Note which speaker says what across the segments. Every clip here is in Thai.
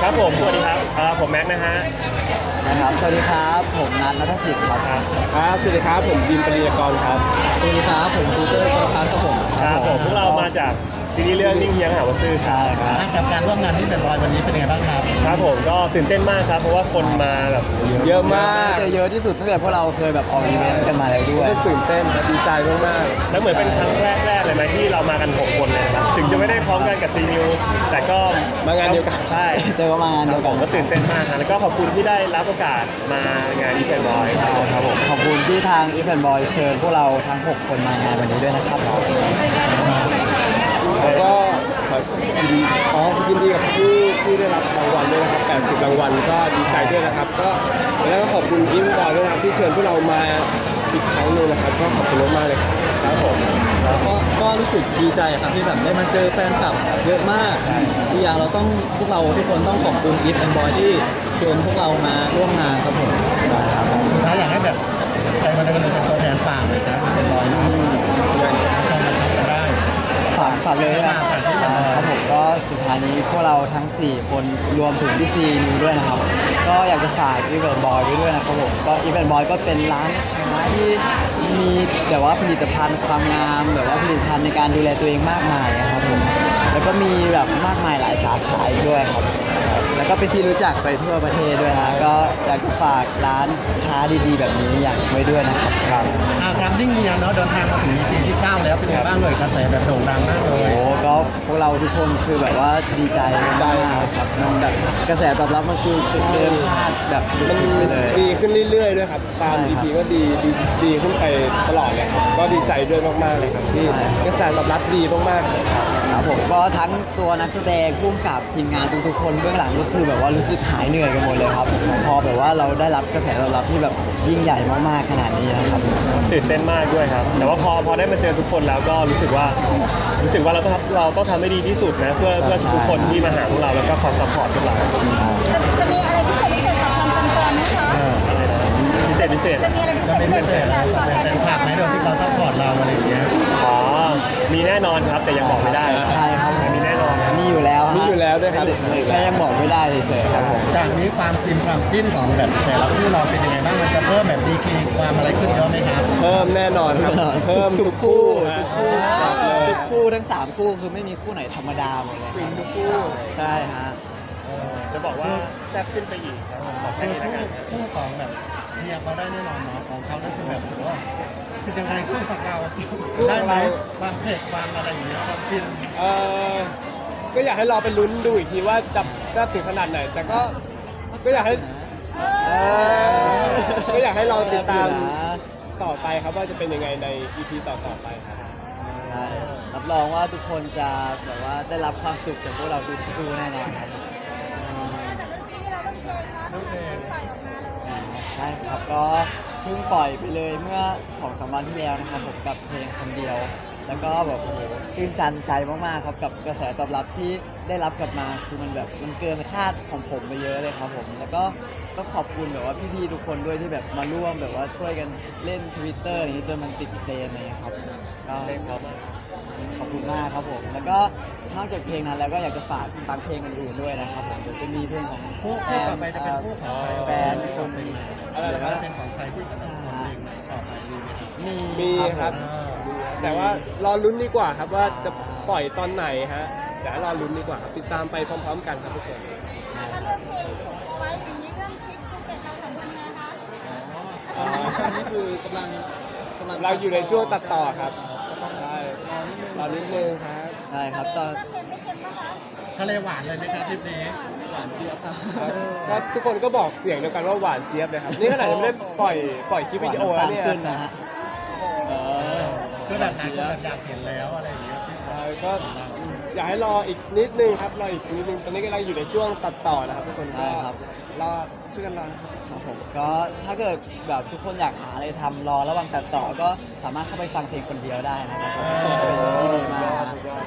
Speaker 1: ครับผมสวัสดีครับผมแม็กนะฮะ
Speaker 2: นะครับสวัสดีครับผมนัทสิทธิ์ครับ
Speaker 3: ครับสวัสดีครับผมบินปริยากรครับ
Speaker 2: สวัสดีครับผมตูเตอร์กรพัฒน์ครับผม
Speaker 1: ครับผมพวกเรามาจากซีรีส์เรื่องนิ่งเฮียงหาวซื่อ
Speaker 2: ใช่ครับ
Speaker 4: กับการร่วมงานที่เป็นบอยวันนี้เป็นยังไงบ้างครับ
Speaker 1: ครับผมก็ตื่นเต้นมากครับเพราะว่าคนมาแบบ
Speaker 3: เยอะมาก
Speaker 2: จะเยอะที่สุดตั้งแต่พวกเราเคยแบบออกอีเวนต์กันมาแล้วด้วย
Speaker 3: ตื่นเต้นดีใจมาก
Speaker 1: แล้วเหมือนเป็นครั้งแรกเลยไหมที่เรามากัน6คนเลยนะครับถึงจะไม่ได้พร้อมกันกับซีนิวแต่ก็
Speaker 3: มางานเดียวกัน
Speaker 1: ใช่
Speaker 2: เจอกันมางานเดียวกัน
Speaker 1: ก็ตื่นเต้นมากนะแล้วก็ขอบคุณที่ได้รับโอกาสมางานอีเวนต์บอย
Speaker 2: ครับผมขอบคุณที่ทางอีเวนต์บอยเชิญพวกเราทั้ง6คนมางานวันนี้ด้วยนะครับ
Speaker 3: แล้วก็ยินดีกับผู้ที่ได้รับรางวัลด้วยนะครับ80รางวัลก็ดีใจด้วยนะครับก็แล้วก็ขอบคุณอิมบอยด้วยนะครับที่เชิญพวกเรามาอีกครั้งนึงนะครับก็ขอบคุณมากๆเลยครับผม
Speaker 2: ก็รู้สึกดีใจครับที่แบบได้มาเจอแฟนคลับเยอะมากอีกอย่างเราต้องพวกเราทุกคนต้องขอบคุณอีฟแอนด์บอยที่เชิญพวกเรามาร่วมงานครับผม
Speaker 4: สุดท้ายอยากให้แบบใครมาในวันนี้เป็นตัวแทนฝากเลยนะเป็นบอยนะชมนะครับได้
Speaker 2: ฝากเลยนะครับผมก็สุดท้ายนี้พวกเราทั้ง4คนรวมถึงพี่ซีนิวด้วยนะครับก็อยากจะฝากอีเวนต์บอยไว้ด้วยนะครับผมก็อีเวนต์บอยก็เป็นร้านค้าที่มีแบบว่าผลิตภัณฑ์ความงามแบบว่าผลิตภัณฑ์ในการดูแลตัวเองมากมายนะครับผมแล้วก็มีแบบมากมายหลายสาขาด้วยครับแล้วก็เป็นที่รู้จักไปทั่วประเทศด้วยนะก็อยากจะฝากร้านค้าดีๆแบบนี้อย่างไว้ด้วยนะครับ
Speaker 4: การนิ่งเงียเนาะเดินทางมาถึง EP ที่9แล้วเป็นยังไงบ้างเลยกระแสแบบโด่งดังมากเลย
Speaker 2: โอ้ก็พวกเราทุกคนคือแบบว่าดีใจมากครับมันแบบกระแสตอบรับมันคือสุดเกินคาดแบบสุดๆไปเลย
Speaker 3: ดีขึ้นเรื่อยๆด้วยครับตาม EP ก็ดีขึ้นไปตลอดเลยครับก็ดีใจด้วยมากๆเลยครับที่กระแสตอบรับดีมากๆเลย
Speaker 2: ครับผมก็ทั้งตัวนักแสดงผู้กำกับทีมงานทุกๆคนเบื้องหลังก็คือแบบว่ารู้สึกหายเหนื่อยกันหมดเลยครับพอแบบว่าเราได้รับกระแสตอบรับที่แบบยิ่งใหญ่มากๆขนาดนี้นะครับ
Speaker 1: ตื่นเต้นมากด้วยครับแต่ว่าพอได้มาเจอทุกคนแล้วก็รู้สึกว่าเราต้องทำให้ดีที่สุดนะเพื่อทุกคนที่มาหาพวกเราแล้วก็คอยซัพพอร์ตพวกเรา
Speaker 5: จะมีอะไรพิเศษสำหรับแฟนๆไหมคะ
Speaker 1: พิเศษ
Speaker 5: จะมีอะไรพิเศษ
Speaker 4: กับแฟนคลับไหมโดยที่เขาซัพพอร์ตเราอะไรอย่างเงี้ย
Speaker 1: มีแน่นอนครับแต่ยังบอกไม่ได้
Speaker 2: ใช่ครับ
Speaker 1: มีแน่นอน
Speaker 2: มีอยู่แล้ว
Speaker 3: ด้วยครับ
Speaker 2: แค่ยังบอกไม่ได้เฉยๆครับผม
Speaker 4: จากนี้ความฟินความจิ้นของแบบแต่ละคู่เราเป็นยังไงบ้างมันจะเพิ่มแบบดีกรีความอะไรขึ้นเยอะไหมครับ
Speaker 3: เพิ่มแน่นอนครับเพิ่มทุกคู่
Speaker 2: ทั้ง3คู่คือไม่มีคู่ไหนธรรมดาหมดเลย
Speaker 3: ทุกคู่
Speaker 2: ใช่ฮะ
Speaker 1: จะบอกว่าแซ่บขึ้นไปอีกครับขอแค่นี้นะครับ
Speaker 4: คู่ของแบบเมียเขาได้แน่นอนเนาะของเขานั่นคือแบบถือว่าคือยังไงคู่ของเราได้ไหมความเผ็ดความอะไรอย่างเงี้ยความฟิน
Speaker 3: ก็อยากให้รอไปลุ้นดูอีกทีว่าจะแซ่บถึงขนาดไหนแต่ก็อยากให้เราติดตามต่อไปครับว่าจะเป็นยังไงใน EP ต่อไปครับ
Speaker 2: ใช่รับรองว่าทุกคนจะแบบว่าได้รับความสุขจากพวกเราทุกคู่แน่นอนครับใช่ครับก็เพิ่งปล่อยไปเลยเมื่อ 2-3 วันที่แล้วนะครับผมกับเพลงคนเดียวแล้วก็แบบโอ้โหตื่นตันใจมากๆครับกับกระแสตอบรับที่ได้รับกลับมาคือมันแบบมันเกินคาดของผมไปเยอะเลยครับผมแล้วก็ต้องขอบคุณแบบว่าพี่ๆทุกคนด้วยที่แบบมาร่วมแบบว่าช่วยกันเล่น Twitter อย่างนี้จนมันติดเทรนด์อะไรอย่างเงี้ยครับก็ขอบคุณมากครับผมแล้วก็นอกจากเพลงนั้นแล้วก็อยากจะฝากฟังเพลงอื่นๆด้วยนะครับผมเดี๋ยวจะมีเพลงของ
Speaker 4: คู่ต่อไปจะเป็นคู่ของ
Speaker 2: แฟนคน
Speaker 4: อะไรนะครับเป็นของใครคู่ของต่อไป
Speaker 3: มีครับแต่ว่ารอลุ้นดีกว่าครับว่าจะปล่อยตอนไหนฮะเดี๋ยวรอลุ้นดีกว่าครับติดตามไปพร้อมๆกันครับทุกคน
Speaker 5: ถ้าเริ่มเพลงผมเอาไว้อย่างนี้เรื่องคลิปคุณเป็นเราทำยังไงคะ
Speaker 2: ตอนนี้คือกำลัง
Speaker 3: เราอยู่ในช่วงตัดต่อครับใช่รอนิดนึงครับ
Speaker 2: ใช่ครับตอน
Speaker 4: ทะเลหวานเลยไหมครับทริปนี้
Speaker 2: หวานเจี๊ยบครับ
Speaker 3: ก็ทุกคนก็บอกเสียงเดียวกันว่าหวานเจี๊ยบเลยครับนี่ขนาดยังไม่ได้ปล่อยคลิปวิดีโอแล้วเนี่ย
Speaker 4: คือแบบนั้นแบบอยากเห็นแล้วอะไรอย่างเงี้ย
Speaker 3: ก็อยากให้รออีกนิดนึงครับรออีกนิดนึงตอนนี้กำลังอยู่ในช่วงตัดต่อนะครับทุกคนก็รอช่วยกันรอนะครับ
Speaker 2: ครับผมก็ถ้าเกิดแบบทุกคนอยากหาอะไรทำรอระหว่างตัดต่อก็สามารถเข้าไปฟังเพลงคนเดียวได้นะครับผมเป็นที่ดีมาก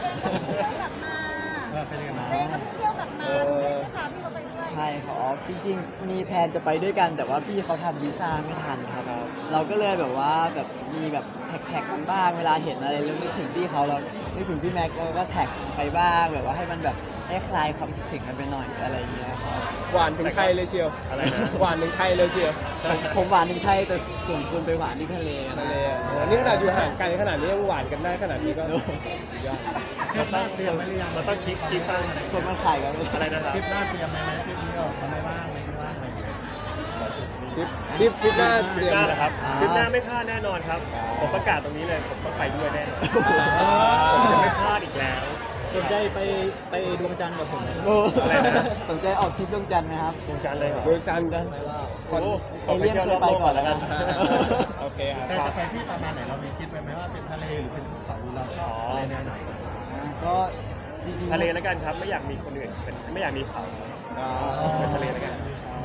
Speaker 5: เป็นยังไงเที่ยวกลับมาพาพี่เขาไปด้วย
Speaker 2: ใช่ครับจริงๆมีแพลนจะไปด้วยกันแต่ว่าพี่เขาทำวีซ่าไม่ทันครับเราก็เลยแบบว่าแบบมีแบบแท็กบ้างเวลาเห็นอะไรแล้วนึกถึงพี่เขาเรานึกถึงพี่แม็กก็แท็กไปบ้างแบบว่าให้มันแบบให้คลายความคิดถึงกันไปหน่อยอะไรอย่างเงี้ยครับ
Speaker 3: หวานถึงไทยเลยเชียว
Speaker 1: อะไรนะ
Speaker 3: หวานถึงไทยเลยเชียว
Speaker 2: ผมหวานที่ไทยแต่ส่วนคุณไปหวานที่ทะเล
Speaker 3: ทะเลอ่ะโอ้นี่ขนาดอยู่ห่างไกลขนาดนี้ยังหวานกันได้ขนาดนี้ก็สุดยอด
Speaker 4: ทริปหน้าเตรียมไว้หรือยัง
Speaker 1: มันต้องคิด
Speaker 4: บ้างอะไร
Speaker 2: คนมันขายกันไม่
Speaker 1: อะไร
Speaker 2: ได้
Speaker 1: นะครับ
Speaker 4: ทริปหน้าเตรียมไหมทริปนี้เราทำไม่ว่างไม่ว่างอะไรอย่างเงี้ย
Speaker 3: ทริปหน้า
Speaker 1: ค
Speaker 3: เต
Speaker 1: ลิ
Speaker 3: รี
Speaker 1: ป
Speaker 3: ยม
Speaker 1: หน้าเหรอครับ
Speaker 2: อ่า
Speaker 1: คลิปหน้าไม่พลาดแน่นอนครับ ผมประกาศตรงนี้เลย ผมต้องไปด้วยแน่นอนผมจะไม่พลาดอีกแล้ว
Speaker 2: สนใจไปดวงจันทร์กับผม
Speaker 1: อะไรนะ
Speaker 2: สนใจออกทริปดวงจันทร์ไหมครับ
Speaker 1: ดวงจันทร์เลยเหรอ
Speaker 3: ดวงจันทร์กัน
Speaker 1: โอ้โห
Speaker 2: เอเลี่ยนเคยไปก่อนแล้วกัน
Speaker 3: โอเคอ่ะ
Speaker 4: แต่จะไปที่ประมาณไหนเรามีคิดไว้ไหมว่าเป็นทะเลหรือเป็นภูเขาหรือเราชอบอะไรแนวไหน
Speaker 2: ก็จริงๆ
Speaker 1: ทะเลแล้วกันครับ ไม่อยากมีคนอื่นเป็นไม่อยากมีเขา
Speaker 2: อ๋อ
Speaker 1: ไปทะเลแล้วกัน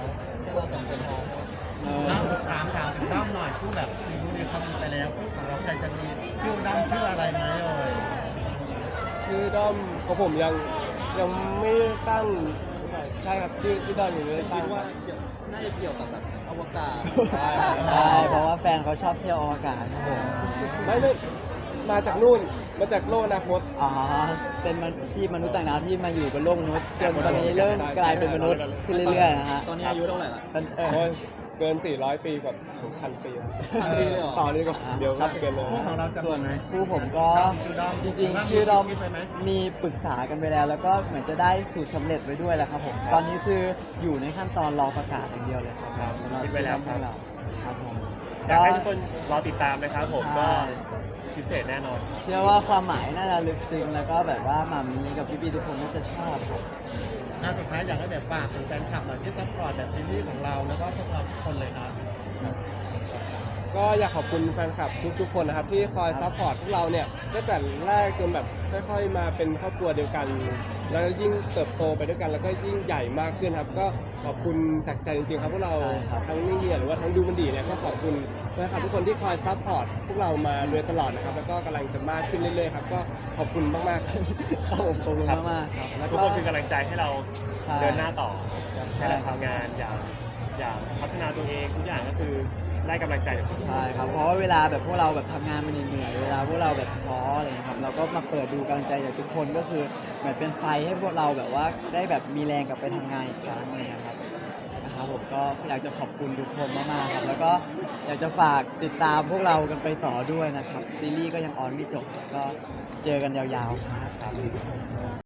Speaker 2: เออ
Speaker 4: แล้วถามถึงด้อมหน่อยคู่แบบซีรีส์เขามีไปแล้วคู่ของเราใครจะมีชื่อด้อมชื่ออะไรไหมเอ่ย
Speaker 3: ชื่อด้อมของผมยังไม่ตั้งใช่ครับชื่อด้อมยังไม่ได้ตั้งว่า
Speaker 2: น่าจะเกี่ยวกับแบบอวกาศ
Speaker 3: ใช่
Speaker 2: ใช่เพราะว่าแฟนเขาชอบเที่ยวอวกาศครับผม
Speaker 3: ไม่มาจากนู่นมาจากโลกอนาคต
Speaker 2: อ๋อเป็นที่มนุษย์ต่างดาวที่มาอยู่บนโลกมนุษย์จนตอนนี้เริ่มกลายเป็นมนุษย์ขึ้นเรื่อยๆนะฮะ
Speaker 6: ตอนนี้อายุเท่าไหร่ละ
Speaker 3: โอ้ยเกิน 400 ปีกับพันปีแล้ว
Speaker 6: 1,000 ปีเลยเหรอ
Speaker 3: ต่อนี้ก็เดี๋ยว
Speaker 2: ครับ
Speaker 3: เกินเลย
Speaker 4: คู่ของเราจะ
Speaker 2: ส่วน
Speaker 4: มีไหม
Speaker 2: คู่ผมก็
Speaker 4: ชื่อด้อม
Speaker 2: จริงๆ ชื่อด้อม
Speaker 4: คิดไว้ไหม
Speaker 2: มีปรึกษากันไปแล้ว แล้วก็เหมือนจะได้สูตรสำเร็จไว้ด้วยแหละครับผมตอนนี้คืออยู่ในขั้นตอนรอประกาศอย่างเดียวเลยครับสำหรับ
Speaker 1: คิดไว้แล้วครับ
Speaker 2: ชื่อด้อมของเราครับผม
Speaker 1: อยากให้ทุกคนรอติดตามนะครับผม
Speaker 2: ใช่
Speaker 1: ก็พิเศษแน่นอน
Speaker 2: เชื่อว่าความหมายน่าจะลึกซึ้งแล้วก็แบบว่าหมามีกับพี่ๆทุกคนน่าจะชอบครับ
Speaker 4: น่าสุดท้ายอยากให้แบบฝากถึงแฟนคลับหน่อยที่ซัพพอร์ตแบบซีรีส์ของเราแล้วก็พวกเราทุกคนเลยครับ
Speaker 3: ก็อยากขอบคุณแฟนคลับทุกๆคนนะครับที่คอยซัพพอร์ตพวกเราเนี่ยตั้งแต่แรกจนแบบค่อยๆมาเป็นครอบครัวเดียวกัน แล้วยิ่งเติบโตไปด้วยกันแล้วก็ยิ่งใหญ่มากขึ้นครับ ก็ขอบคุณจากใจจริงๆครับพวกเรา
Speaker 2: ใช่ครับ
Speaker 3: ทั้งนิ่งเดียหรือว่าทั้งดูมันดีเนี่ยก็ขอบคุณแฟนคลับทุกคนที่คอยซัพพอร์ตพวกเรามาโดยตลอดนะครับแล้วก็กำลังจะมากขึ้นเรื่อยๆครับก็ขอบคุณมากๆครับ
Speaker 2: ครับผมขอบคุณมากๆครับแล้ว
Speaker 1: ทุก
Speaker 2: ก็
Speaker 1: คนคือกำลังใจให้เรา
Speaker 2: ใช่
Speaker 1: เดินหน้าต่อ
Speaker 2: ใช่
Speaker 1: ให้เราทำงานอย่างพัฒนาตัวเองทุกอย่างก็คือได้กำลังใจจากทุกคน
Speaker 2: ใช่ครับเพราะว่าเวลาแบบพวกเราแบบทำงานมันเหนื่อยๆเวลาพวกเราแบบท้ออะไรอย่างเงี้ยครับเราก็มาเปิดดูกำลังใจจากทุกคนก็คือเหมือนเป็นไฟให้พวกเราแบบว่าได้แบบมีแรงกลับไปทำงานอีกครั้งอะไรเลยครับผมก็อยากจะขอบคุณทุกคนมากๆครับแล้วก็อยากจะฝากติดตามพวกเรากันไปต่อด้วยนะครับซีรีส์ก็ยังออนไม่จบก็เจอกันยาวๆครับ